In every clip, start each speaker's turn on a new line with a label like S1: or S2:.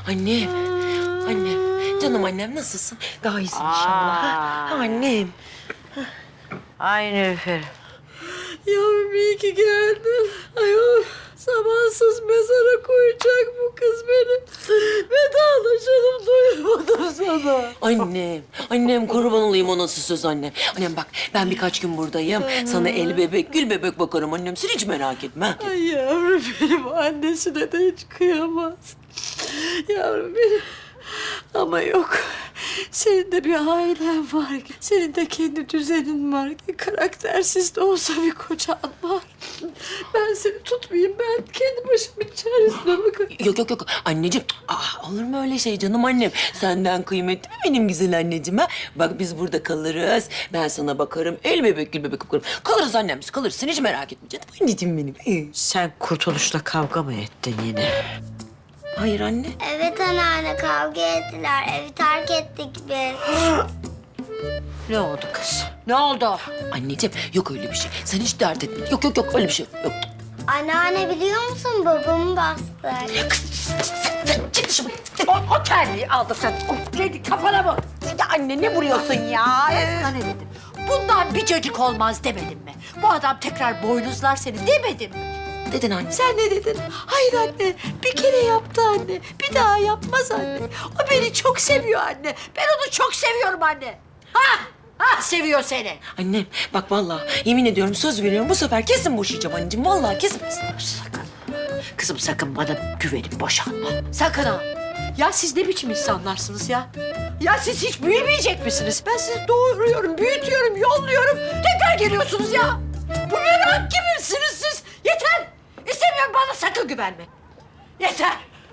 S1: Annem, annem, canım annem nasılsın? Daha iyisin inşallah. Ha, annem.
S2: Ay Nilüfer.
S3: Yavrum iyi ki geldin. Ayol zamansız mezara koyacak bu kız beni. Vedalaşalım doyamadım sana.
S1: Annem kurban olayım o nasıl söz anne. Annem bak ben birkaç gün buradayım. Sana el bebek, gül bebek bakarım annem. Sen hiç merak etme.
S3: Ay yavrum benim annesine de hiç kıyamaz. Yavrum benim. Ama yok. Senin de bir ailen var. Senin de kendi düzenin var. Karaktersiz de olsa bir kocan var. Ben seni tutmayayım. Ben kendi başımın çaresine bakarım.
S1: Yok. Anneciğim, olur mu öyle şey canım annem? Senden kıymetli mi benim güzel anneciğim ha? Bak biz burada kalırız. Ben sana bakarım. El bebek, gül bebek bakarım. Kalırız annem biz kalırız. Sen hiç merak etme canım anneciğim benim.
S2: Sen Kurtuluş'la kavga mı ettin yine?
S1: Hayır anne.
S4: Evet anneanne kavga ettiler. Evi terk ettik biz.
S2: Ne oldu kız? Ne oldu?
S1: Anneciğim yok öyle bir şey. Sen hiç dert etme. Yok öyle bir şey yok.
S4: Anneanne biliyor musun babamı bastı.
S1: Çık dışarı.
S2: O terliği aldı sen. O kedi kafana mı?
S1: Ya anne ne vuruyorsun ya?
S2: Sana ne dedim? Bundan bir çocuk olmaz demedim mi? Bu adam tekrar boynuzlar seni demedim mi?
S1: Dedin anne.
S3: Sen ne dedin? Hayır anne. Bir kere yaptı anne. Bir daha yapmaz anne. O beni çok seviyor anne.
S2: Ben onu çok seviyorum anne. Ha seviyor seni.
S1: Annem bak vallahi yemin ediyorum söz veriyorum bu sefer kesin boşayacağım anneciğim. Vallahi kesin.
S2: Sakın. Kızım sakın bana güvenip boşanma. Sakın ha. Ya siz ne biçim insanlarsınız ya? Ya siz hiç büyümeyecek misiniz? Ben sizi doğuruyorum, büyütüyorum, yolluyorum. Tekrar geliyorsunuz ya. Bu merak gibisiniz siz. Yeter. İstemiyorum bana sakın güvenme. Yeter.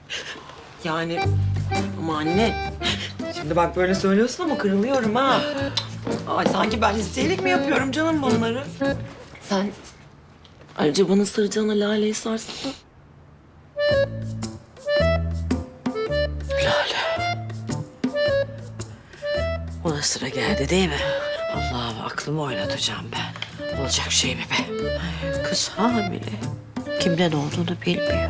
S1: Yani ama anne şimdi bak böyle söylüyorsun ama kırılıyorum ha. Ay sanki ben isteyerek mi yapıyorum canım bunları? Sen ayrıca bana saracağına laleyi sarsın.
S2: Ona sıra geldi değil mi? Allah'ım aklımı oynatacağım ben. Olacak şey mi be? Kız hamile. Kimden olduğunu bilmiyor.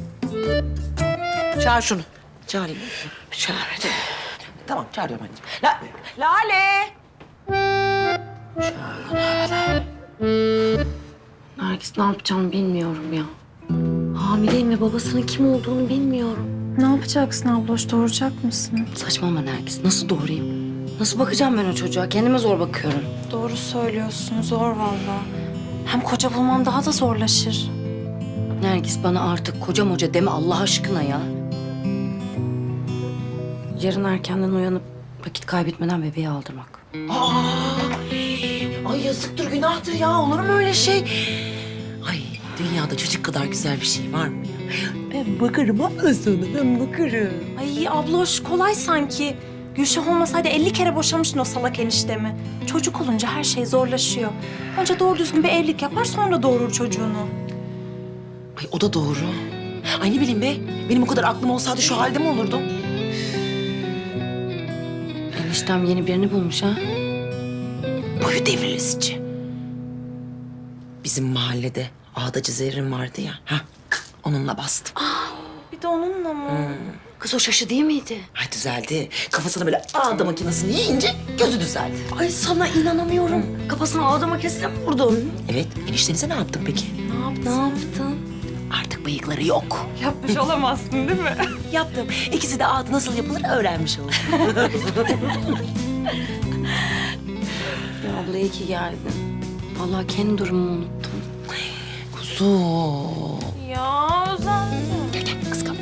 S2: Çağır şunu.
S1: Çağırayım.
S2: Çağır hadi.
S1: Tamam çağırıyorum anneciğim. Lale!
S5: Nergis ne yapacağım bilmiyorum ya. Hamileyim ve babasının kim olduğunu bilmiyorum.
S6: Ne yapacaksın abloş? Doğuracak mısın?
S5: Saçmalama Nergis. Nasıl doğurayım? Nasıl bakacağım ben o çocuğa? Kendime zor bakıyorum.
S6: Doğru söylüyorsun. Zor vallahi. Hem koca bulman daha da zorlaşır.
S5: Nergis bana artık koca moca deme Allah aşkına ya. Yarın erkenden uyanıp vakit kaybetmeden bebeği aldırmak.
S1: Ay yazıktır günahtır ya olur mu öyle şey? Ay dünyada çocuk kadar güzel bir şey var mı ya? Ben bakarım abla sana ben bakarım.
S6: Ay abloş kolay sanki. Gülşah olmasaydı 50 kere boşamıştın o salak eniştemi. Çocuk olunca her şey zorlaşıyor. Önce doğru düzgün bir evlilik yapar sonra doğurur çocuğunu.
S1: Ay o da doğru. Ay ne bileyim be benim o kadar aklım olsaydı şu halde mi olurdum?
S5: Eniştem yeni birini bulmuş ha.
S1: Boyu devrilesici. Bizim mahallede ağdacı Zerrin vardı ya. Ha, onunla bastım.
S6: Bir de onunla mı?
S5: Kız o şaşı değil miydi?
S1: Ay düzeldi. Kafasına böyle ağda makinesini yiyince gözü düzeldi.
S5: Ay sana inanamıyorum. Kafasına ağda makinesine mi vurdun?
S1: Evet, eniştenize ne yaptın peki?
S5: Ne yaptın?
S1: Artık bıyıkları yok.
S6: Yapmış olamazsın değil mi?
S1: Yaptım. İkisi de ağda nasıl yapılır öğrenmiş oldu.
S5: Ya abla iyi ki geldin. Vallahi kendi durumumu unuttum.
S1: Kuzum.
S6: Ya özendim.
S1: Gel gel kıskan.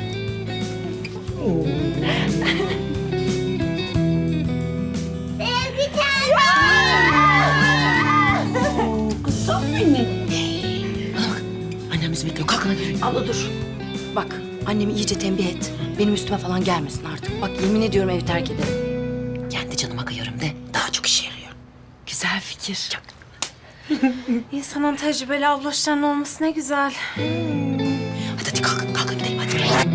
S1: Kızım benim. Bana bak. Annem bizi bekliyor. Kalkın hadi.
S5: Abla dur. Bak annemi iyice tembih et. Benim üstüme falan gelmesin artık. Bak yemin ediyorum evi terk ederim.
S1: Kendi canıma kıyarım de daha çok işe yarıyor.
S5: Güzel fikir.
S1: Çok.
S6: İnsanın tecrübeli abloşların olması ne güzel.
S1: Hadi kalkın gidelim hadi.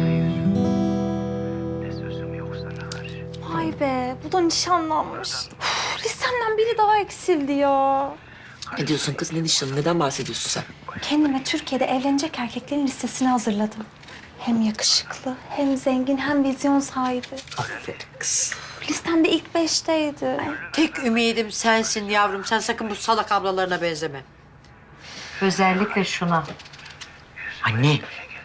S6: Vay be, bu da nişanlanmış. Uf, listemden biri daha eksildi ya.
S1: Ne diyorsun kız ne nişanı neden bahsediyorsun sen?
S6: Kendime Türkiye'de evlenecek erkeklerin listesini hazırladım. Hem yakışıklı, hem zengin, hem vizyon sahibi.
S2: Aferin kız.
S6: Listemde ilk 5'teydi.
S2: Tek ümidim sensin yavrum. Sen sakın bu salak ablalarına benzeme. Özellikle şuna.
S1: Anne.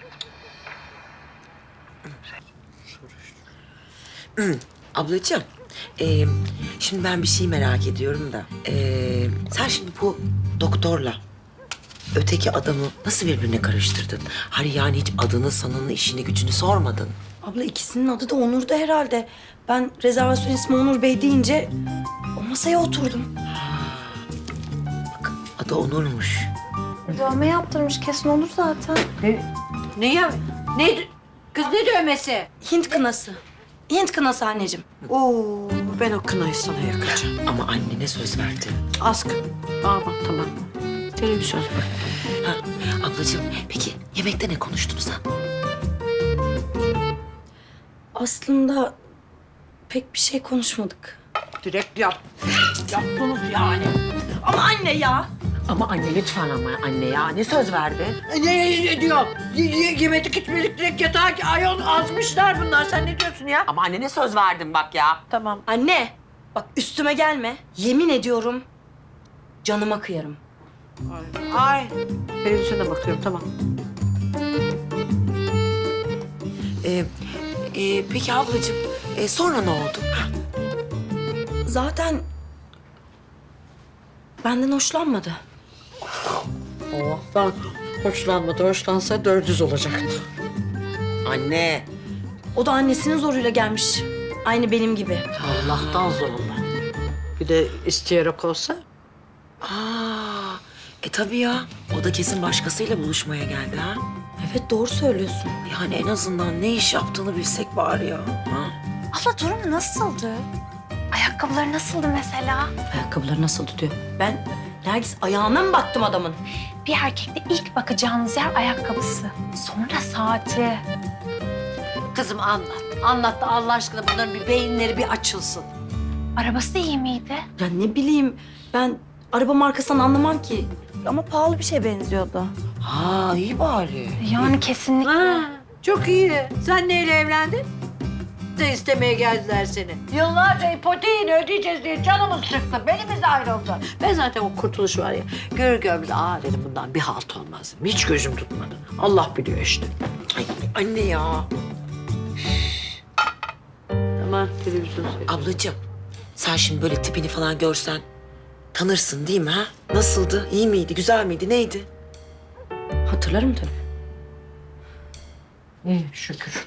S1: Ablacığım, şimdi ben bir şey merak ediyorum da. Sen şimdi bu doktorla öteki adamı nasıl birbirine karıştırdın? Hani yani hiç adını, sanını, işini, gücünü sormadın.
S5: Abla ikisinin adı da Onur'du herhalde. Ben rezervasyon ismi Onur Bey deyince o masaya oturdum.
S1: Bak, adı Onur'muş.
S6: Dövme yaptırmış, kesin olur zaten.
S2: Ne ya? Ne? Kız ne dövmesi?
S5: Hint kınası. Hint kınası anneciğim.
S2: Oo, ben o kınayı sana yakacağım.
S1: Ama annene söz verdi.
S2: Askı. Aman tamam. Televizyon.
S1: Ha, ablacığım, peki yemekte ne konuştunuz ha?
S5: Aslında pek bir şey konuşmadık.
S2: Direkt yap. Yaptınız yani.
S5: Ama anne ya.
S1: Ama anne lütfen ama anne ya. Ne söz verdi?
S2: Ne diyor? Yemedik içmedik direkt yatağa ayol azmışlar bunlar. Sen ne diyorsun ya?
S1: Ama annene söz verdim bak ya.
S2: Tamam.
S5: Anne bak üstüme gelme. Yemin ediyorum canıma kıyarım.
S2: Ay. Televizyona bakıyorum tamam.
S1: Peki ablacığım, sonra ne oldu? Ha,
S5: Zaten benden hoşlanmadı.
S2: Allah'tan hoşlanmadı. Hoşlansa 400 olacaktı.
S1: anne.
S5: O da annesinin zoruyla gelmiş. Aynı benim gibi.
S2: Allah'tan zorla. Bir de isteyerek olsa.
S1: Tabii ya. O da kesin başkasıyla buluşmaya geldi ha.
S5: Evet doğru söylüyorsun.
S1: Yani en azından ne iş yaptığını bilsek bari ya. Ha?
S6: Abla durum nasıldı? Ayakkabıları nasıldı mesela?
S5: Ayakkabıları nasıldı diyor. Ben Nergis ayağına mı baktım adamın?
S6: Bir erkekte ilk bakacağınız yer ayakkabısı. Sonra saati.
S2: Kızım anlat. Anlat da Allah aşkına bunların bir beyinleri bir açılsın.
S6: Arabası iyi miydi?
S5: Ya ne bileyim ben araba markasından anlamam ki. Ama pahalı bir şeye benziyordu.
S1: Ha iyi bari.
S6: Yani kesinlikle.
S2: Ha, çok iyi. Sen neyle evlendin? De istemeye geldiler seni. Yıllarca ipoteğini ödeyeceğiz diye canımız çıktı. Benimiz ayrıldı. Ben zaten o kurtuluş var ya. Görür görmez dedim bundan bir halt olmaz. Hiç gözüm tutmadı. Allah biliyor işte.
S1: Ay anne ya.
S2: Tamam televizyon seyret.
S1: Ablacığım, sen şimdi böyle tipini falan görsen tanırsın değil mi ha? Nasıldı? İyi miydi? Güzel miydi? Neydi?
S5: Hatırlarım tabii.
S2: İyi şükür.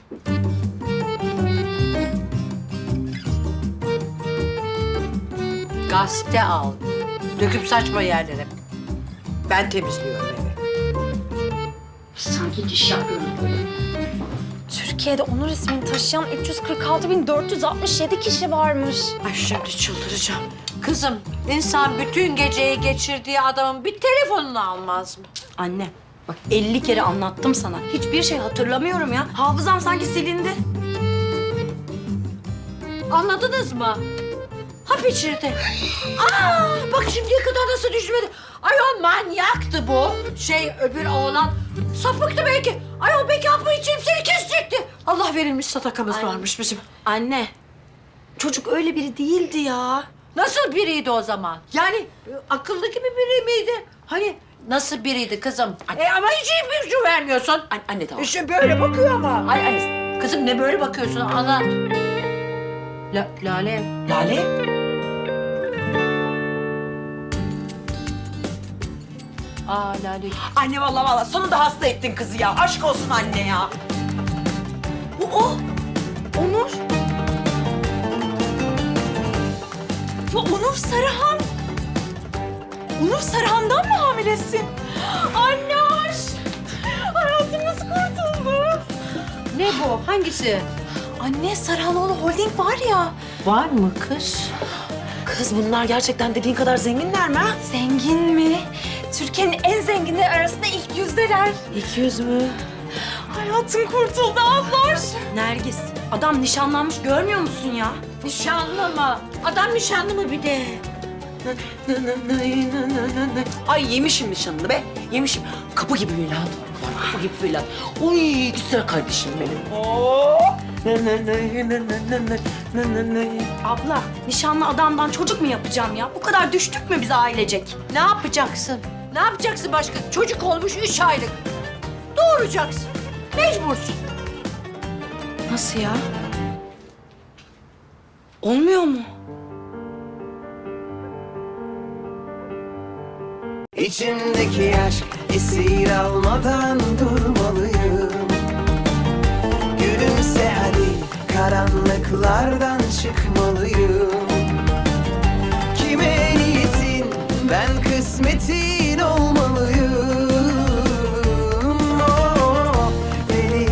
S2: Gazete al. Döküp saçma yerlere. Ben temizliyorum evi. Sanki diş yapıyorum böyle.
S6: Türkiye'de Onur ismini taşıyan 346.467 kişi varmış.
S2: Ay şimdi çıldıracağım. Kızım, insan bütün geceyi geçirdiği adamın bir telefonunu almaz mı?
S5: Anne bak 50 kere anlattım sana. Hiçbir şey hatırlamıyorum ya. Hafızam sanki silindi.
S2: Anladınız mı? Hap içirdi. Aa, bak şimdiye kadar nasıl düşmedi. Ayol manyaktı bu. Öbür oğlan sapıktı belki. Ayol belki hapı içeyim seni kesecekti. Allah verilmiş sadakamız
S5: Ay.
S2: varmış bizim.
S5: Anne çocuk öyle biri değildi ya.
S2: Nasıl biriydi o zaman? Yani akıllı gibi biri miydi? Hani nasıl biriydi kızım? Ama hiç ipucu vermiyorsun.
S1: Anne tamam.
S2: İşte böyle bakıyor ama. Ay, kızım ne böyle bakıyorsun? Anlat. Lale.
S1: Lale?
S2: Lale.
S1: Anne vallahi sonunda hasta ettin kızı ya. Aşk olsun anne ya.
S5: Bu o. Onur.
S6: Ya Onur Sarıhan. Onur Sarıhan'dan mı hamilesin? Anne aş. Hayatımız kurtuldu.
S2: Ne bu? Hangisi?
S6: Anne Sarıhanoğlu Holding var ya.
S2: Var mı kız?
S1: Kız bunlar gerçekten dediğin kadar zenginler mi ha?
S6: Zengin mi? Türkiye'nin en zenginleri arasında ilk yüzdeler.
S1: 200 mü?
S6: Hayatım kurtuldu ablar.
S5: Nergis adam nişanlanmış görmüyor musun ya?
S2: Nişanlı mı? Adam nişanlı mı bir de?
S1: Ay yemişim nişanını be. Yemişim. Kapı gibi Melahat var. Kapı gibi Melahat. Uy güzel kardeşim benim.
S6: Abla, nişanlı adamdan çocuk mu yapacağım ya? Bu kadar düştük mü biz ailecek?
S2: Ne yapacaksın? Ne yapacaksın başka? Çocuk olmuş 3 aylık. Doğuracaksın. Mecbursun.
S5: Nasıl ya? Olmuyor mu?
S7: İçimdeki aşk esir almadan durmalıyım. Gülümse hadi, karanlıklardan çıkmalıyım. Kime niyetin ben